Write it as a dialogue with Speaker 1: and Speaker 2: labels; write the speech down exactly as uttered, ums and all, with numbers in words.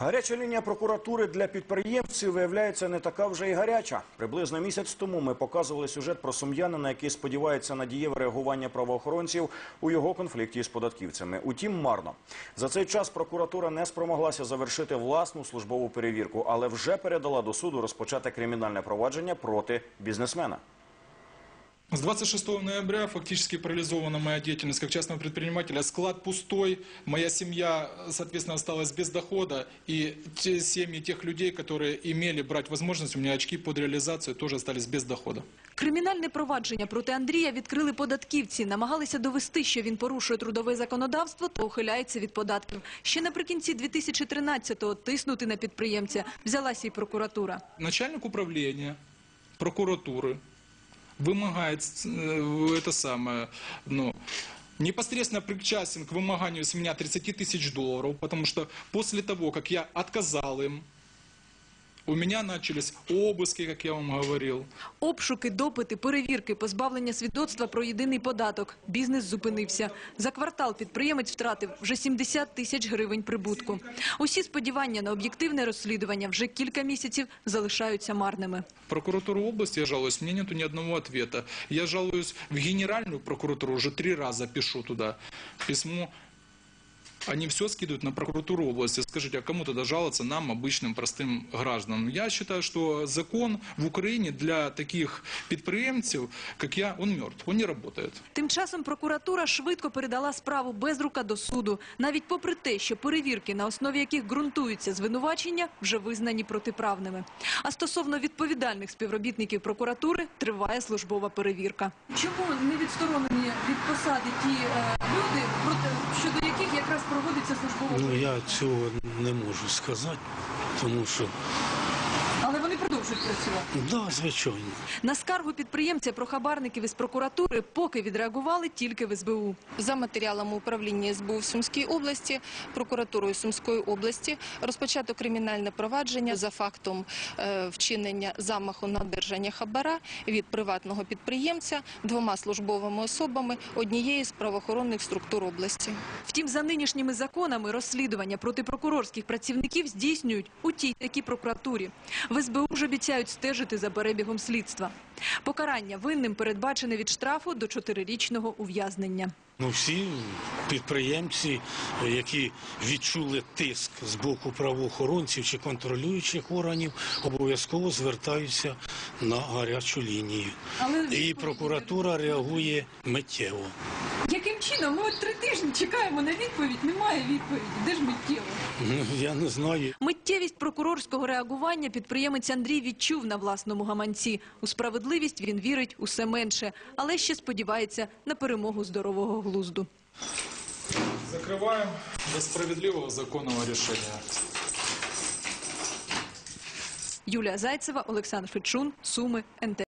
Speaker 1: Гаряча лінія прокуратури для підприємців, виявляється, не така вже й гаряча. Приблизно місяць тому ми показували сюжет про сум'янина, який сподівається на дієве реагування правоохоронців у його конфлікті з податківцями. Утім, марно. За цей час прокуратура не спромоглася завершити власну службову перевірку, але вже передала до суду розпочати кримінальне провадження проти бізнесмена.
Speaker 2: С двадцать шестого ноября фактически парализована моя деятельность как частного предпринимателя. Склад пустой, моя семья, соответственно, осталась без дохода. И те семьи тех людей, которые имели брать возможность, у меня очки под реализацию, тоже остались без дохода.
Speaker 3: Кримінальне провадження проти Андрія відкрили податківці. Намагалися довести, що він порушує трудове законодавство та ухиляється від податків. Ще наприкінці дві тисячі тринадцятого тиснути на підприємця взялася і прокуратура.
Speaker 2: Начальник управления прокуратуры вымогает э, это самое, ну, непосредственно причастен к вымоганию с меня тридцати тысяч долларов, потому что после того, как я отказал им, у меня начались обыски, как я вам говорил.
Speaker 3: Обшуки, допити, перевірки, позбавлення свідоцтва про єдиний податок. Бізнес зупинився. За квартал підприємець втратив вже сімдесят тисяч гривень прибутку. Усі сподівання на об'єктивне розслідування вже кілька місяців залишаються марними.
Speaker 2: Прокуратуру области я жалуюсь, мне нету ни одного ответа. Я жалуюсь в Генеральную прокуратуру, уже три раза пишу туда письмо. Они все скидывают на прокуратуру области. Скажите, а кому тогда жаловаться нам, обычным простым гражданам? Я считаю, что закон в Украине для таких підприємців, как я, он мертв, он не работает.
Speaker 3: Тим часом прокуратура швидко передала справу Безрука до суду. Навіть попри те, що перевірки, на основі яких ґрунтуються звинувачення, вже визнані протиправними. А стосовно відповідальних співробітників прокуратури триває службова перевірка. Чому не відсторонені від посади ті е, люди, проти, щодо яких якраз проводиться службова перевірка?
Speaker 4: Ну, я цього не можу сказати, тому що...
Speaker 3: Але вони продовжують працювати?
Speaker 4: Так, да, звичайно.
Speaker 3: На скаргу підприємця про хабарників із прокуратури поки відреагували тільки в ес бе у.
Speaker 5: За матеріалами управління ес бе у в Сумській області, прокуратурою Сумської області розпочато кримінальне провадження за фактом е, вчинення замаху на одержання хабара від приватного підприємця двома службовими особами однієї з правоохоронних структур області.
Speaker 3: Втім, за нинішніми законами розслідування проти прокурорських працівників здійснюють у тій такій прокуратурі. В ес бе у ж обіцяють стежити за перебігом слідства. Покарання винним передбачене від штрафу до чотирирічного ув'язнення.
Speaker 4: Ну, всі підприємці, які відчули тиск з боку правоохоронців чи контролюючих органів, обов'язково звертаються на гарячу лінію.
Speaker 3: Але...
Speaker 4: І прокуратура реагує миттєво.
Speaker 3: Яким чином? Ми от три тижні чекаємо на відповідь, немає відповіді. Де ж миттєво?
Speaker 4: Ну, я не знаю.
Speaker 3: Миттєвість прокурорського реагування підприємець Андрій відчув на власному гаманці. У справедливість він вірить усе менше, але ще сподівається на перемогу здорового глузду.
Speaker 2: Закриваємо до справедливого законного рішення.
Speaker 3: Юлія Зайцева, Олександр Фечун, Суми, ен те.